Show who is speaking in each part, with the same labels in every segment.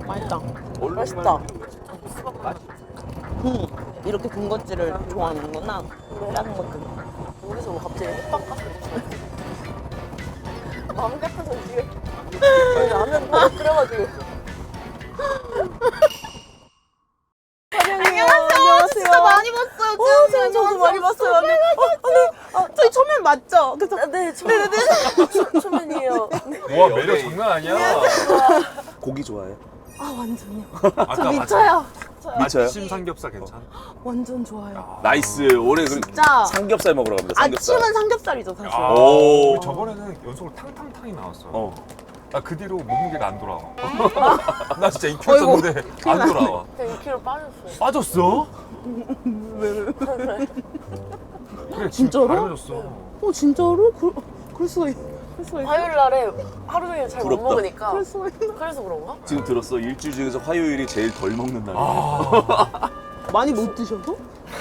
Speaker 1: 맛있다.
Speaker 2: 맛있다.
Speaker 1: 이렇게 군것질을 좋아하는구나. 작은 것들.
Speaker 2: 여기서 뭐 갑자기 햇밥 같은 거 마음 같아서 지금 라면 다 끓여가지고.
Speaker 1: 안녕하세요. 진짜 많이 봤어요.
Speaker 2: 저도 많이 봤어요.
Speaker 1: 저희 초면 맞죠? 그래서
Speaker 2: 네, 초면이에요.
Speaker 3: 와 매력 장난 아니야.
Speaker 4: 고기 좋아해요?
Speaker 1: 아 완전요.
Speaker 3: 아까
Speaker 1: 저 미쳐요.
Speaker 4: 미쳐요?
Speaker 3: 아침 삼겹살 괜찮아?
Speaker 1: 완전 좋아요.
Speaker 4: 나이스. 올해 그럼
Speaker 1: 진짜
Speaker 4: 삼겹살 먹으러 갑니다. 삼겹살.
Speaker 1: 아침은 삼겹살이죠 사실.
Speaker 3: 아,
Speaker 4: 오.
Speaker 3: 우리 저번에는 연속으로 탕탕탕이 나왔어.
Speaker 4: 어.
Speaker 3: 나 그 뒤로 몸무게가 안 돌아와. 나 진짜 2kg 쪘는데 안 돌아와.
Speaker 2: 제가 2kg 빠졌어요.
Speaker 3: 빠졌어? 그래
Speaker 1: 진짜로?
Speaker 3: 가려졌어.
Speaker 1: 진짜로? 그럴 수가 있.
Speaker 2: 화요일 날에 하루 종일 잘 못
Speaker 4: 부럽다.
Speaker 2: 먹으니까
Speaker 1: 그럴 수가 있나?
Speaker 2: 그래서 그런가?
Speaker 4: 지금 들었어. 일주일 중에서 화요일이 제일 덜 먹는 날이야.
Speaker 3: 아,
Speaker 1: 많이 못 드셔서?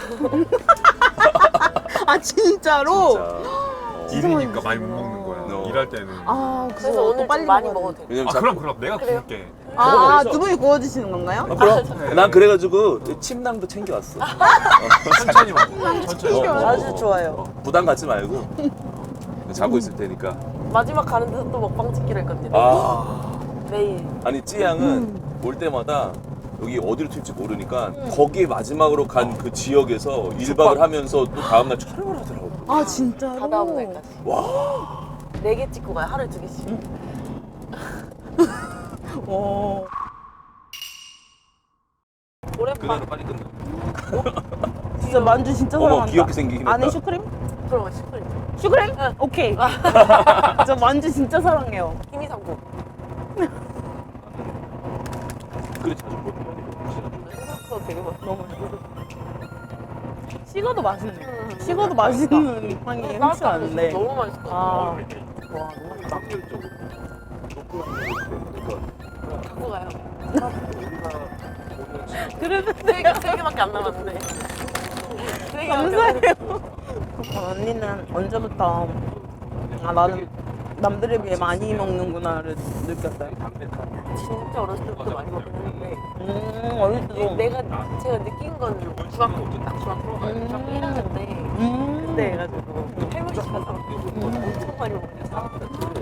Speaker 1: 아 진짜로?
Speaker 4: 진짜.
Speaker 3: 일이니까 많이 못 먹는 거야.
Speaker 4: 어.
Speaker 3: 일할 때는.
Speaker 2: 그래서 오늘 좀 많이 먹어도 돼요.
Speaker 4: 왜냐면
Speaker 3: 아 그럼 내가
Speaker 2: 그래요?
Speaker 3: 구울게.
Speaker 1: 두 분이 구워주시는 건가요?
Speaker 4: 그럼 난 그래가지고 침낭도 챙겨왔어.
Speaker 3: 천천히 먹어. 천천히.
Speaker 2: 아주 좋아요.
Speaker 4: 부담 갖지 말고 자고 있을 테니까.
Speaker 2: 마지막 가는 데서 또 먹방 찍기로 했거든요.
Speaker 4: 아.
Speaker 2: 내일.
Speaker 4: 아니 찌양은 올 때마다 여기 어디로 튈지 모르니까 거기에 마지막으로 간 그 지역에서 1박을 하면서 또 다음날 촬영을 하더라고.
Speaker 1: 아 진짜로?
Speaker 2: 다 다음 날까지.
Speaker 4: 와.
Speaker 2: 4개 찍고 가요. 하루에 2개씩.
Speaker 1: 와.
Speaker 2: 오랜만.
Speaker 4: 빨리 끝나.
Speaker 1: 진짜 만주 진짜
Speaker 4: 어머
Speaker 1: 사랑한다.
Speaker 4: 귀엽게 생기긴 했다.
Speaker 1: 안에 슈크림?
Speaker 2: 그럼 슈크림.
Speaker 1: 슈크림? 오케이. 저 만주 진짜 사랑해요.
Speaker 2: 힘이 상고.
Speaker 4: 그래 자주 못 먹어.
Speaker 2: 생각보다 되게 맛있어.
Speaker 1: 너무 맛있어. 식어도 맛있네. 식어도 맛있는 향이 흔치 않은데.
Speaker 2: 너무 맛있을 것 같아.
Speaker 1: 와 너무 맛있다.
Speaker 2: 갖고 가요.
Speaker 1: 그래도
Speaker 2: 3개밖에 안 남았는데.
Speaker 1: 감사해요. 언니는 언제부터 나는 남들에 비해 많이 먹는구나를 느꼈어요?
Speaker 2: 진짜 어렸을 때부터 많이 먹긴 했는데
Speaker 1: 어릴 때도.
Speaker 2: 제가 느낀 건 중학교 중학교 1학년 때 그때 해가지고 할머니 집 가서 엄청 많이 먹었어요.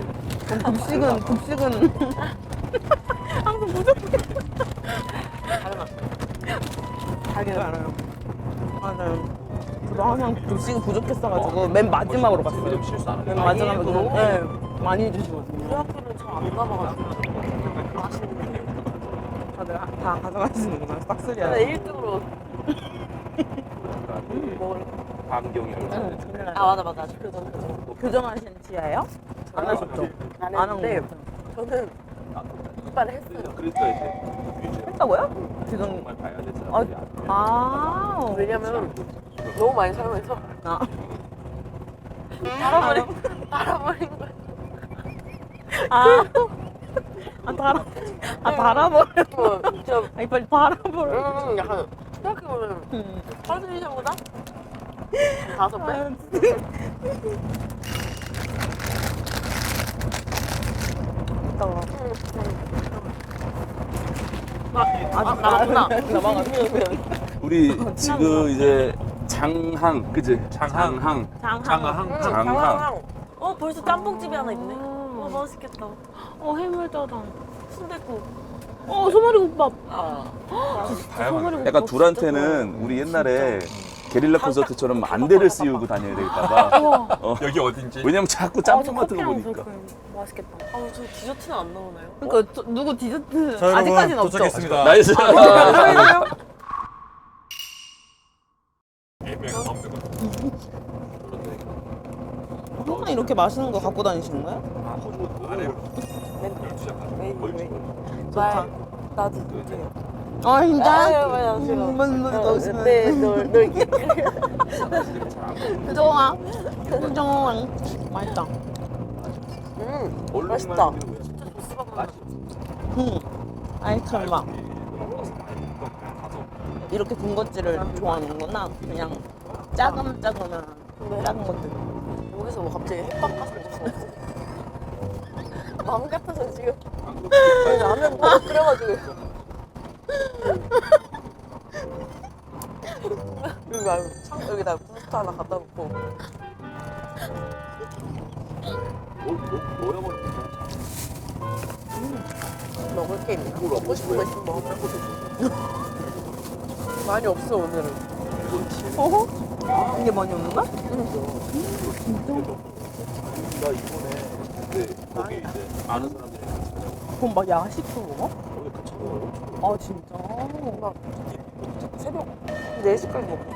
Speaker 1: 급식은 항상 부족해.
Speaker 2: 다른 맛.
Speaker 1: 자기는 알아요. 맞아요. 저도 항상 급식이 부족했어가지고 맨 마지막으로 갔어요. 맨 마지막으로
Speaker 2: 너무
Speaker 1: 네, 많이 주시거든요.
Speaker 2: 우리 학교는 잘 안 가봐가지고 맛있는데
Speaker 1: 다들 다 가져가시는구나. 싹쓸이야.
Speaker 2: 근데 1등으로 먹을
Speaker 4: 환경이라고.
Speaker 2: 아 맞아 교정
Speaker 1: 교정하신 지하예요? 안 하셨죠?
Speaker 2: 안
Speaker 1: 안 한
Speaker 2: 했는데
Speaker 1: 거.
Speaker 2: 저는 이빨을 했어요.
Speaker 4: 그러니까 이제
Speaker 1: 했다고요? 교정.
Speaker 4: 정말 봐야 될 사람들이 안 돼.
Speaker 1: 아.
Speaker 2: 왜냐면 너무 많이 사용해서
Speaker 1: 아.
Speaker 2: 달아버린 거야.
Speaker 1: 달아버려.
Speaker 2: 좀
Speaker 1: 이빨 달아버려.
Speaker 2: 약간 생각해보면 파스리샤보다 5배?
Speaker 1: 이따가.
Speaker 2: 나갔구나.
Speaker 4: 우리 지금 이제 장항, 그지?
Speaker 3: 장항.
Speaker 4: 장항.
Speaker 2: 벌써 짬뽕집이 하나 있네. 맛있겠다.
Speaker 1: 해물짜장.
Speaker 2: 순댓국.
Speaker 1: 소머리국밥.
Speaker 3: 다양한.
Speaker 4: 약간 둘한테는 우리 옛날에 게릴라 콘서트처럼 안대를 씌우고 다녀야 되겠다가.
Speaker 3: 여기 어딘지.
Speaker 4: 왜냐면 자꾸 짬뽕 같은 거 보니까.
Speaker 1: 맛있겠다.
Speaker 2: 저 디저트는 안 나오나요?
Speaker 1: 그러니까 누구 디저트 아직까지는 없죠?
Speaker 3: 도착했습니다.
Speaker 4: 나이스.
Speaker 1: 항상 이렇게 맛있는 거 갖고 다니시는 거예요?
Speaker 2: 말 나도
Speaker 1: 아 진짜?
Speaker 2: 맞아. 네, 널
Speaker 1: 그동안 맛있다.
Speaker 2: 맛있다.
Speaker 1: 아이스크림 막 이렇게 군것질을 좋아하는구나. 그냥 작은 작은 것들.
Speaker 2: 여기서 뭐 갑자기 햇밥 같은 거 먹어. 마음 같아서 지금 라면 다 끓여가지고 말고 여기다 부스터 하나 갖다 놓고.
Speaker 4: 뭐야 버리는 거야?
Speaker 2: 먹을 게 있나? 먹고 싶은 거 있으면 먹어. 많이 없어 오늘은.
Speaker 1: 어허? 이게 많이 없는 거야?
Speaker 4: 나 이번에 근데 거기 이제 아는 사람들이
Speaker 1: 그럼 막 야식도 먹어?
Speaker 4: 거기 그 차가 엄청
Speaker 1: 아 진짜?
Speaker 2: 막 새벽 4시까지 먹고.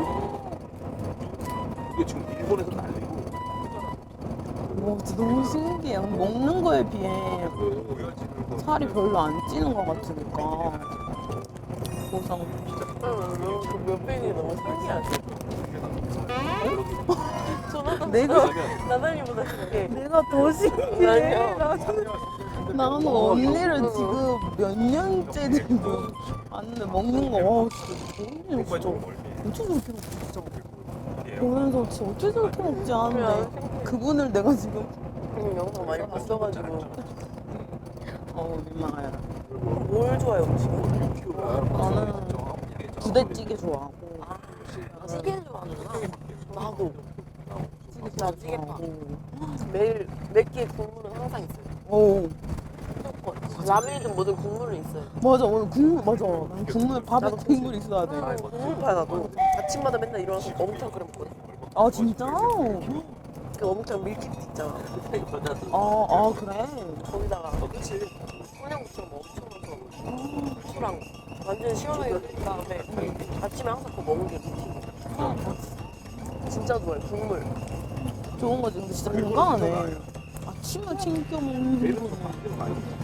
Speaker 4: 이게 지금 일본에서 난리고
Speaker 1: 와 진짜 너무 신기해. 먹는 거에 비해 살이 별로 안 찌는 것 같으니까 보상.
Speaker 2: 그 몇백이 너무 신기하지. 저는
Speaker 1: 내가
Speaker 2: 나단이보다 신기해.
Speaker 1: 내가 더 신기해.
Speaker 2: 아니야.
Speaker 1: 나는 언니를 지금 몇 년째 지금 안는데 먹는 거 와 진짜 언니 진짜 어떻게 저렇게 먹지 진짜 보면서 진짜 어떻게 저렇게 먹지 하는데 그분을 내가 지금
Speaker 2: 영상 많이 봤어가지고.
Speaker 1: 민망해.
Speaker 2: 뭘 좋아해 음식?
Speaker 1: 나는 부대찌개 좋아하고
Speaker 2: 찌개 좋아하는구나. 나도. 나 찌개파.
Speaker 1: 좋아하고.
Speaker 2: 매일 몇 끼의 국물은 항상 있어요.
Speaker 1: 오
Speaker 2: 무조건. 라면이든 뭐든 국물은 있어요.
Speaker 1: 맞아 오늘 국물 맞아 난 국물 밥에
Speaker 2: 나도
Speaker 1: 국물 있어야 돼.
Speaker 2: 국물파 나도. 아침마다 맨날 일어나서 어묵탕 끓여 먹거든.
Speaker 1: 아 진짜?
Speaker 2: 그 어묵탕 밀키트 있잖아.
Speaker 1: 아 그래?
Speaker 2: 거기다가 청양고추랑 뭐 엄청 넣어서 후추랑 완전 시원하게 그 다음에 아침에 항상 그거 먹는 게 루틴이야. 진짜 좋아해 국물.
Speaker 1: 좋은 거지 근데 진짜 건강하네. 아침에 챙겨 먹는 거는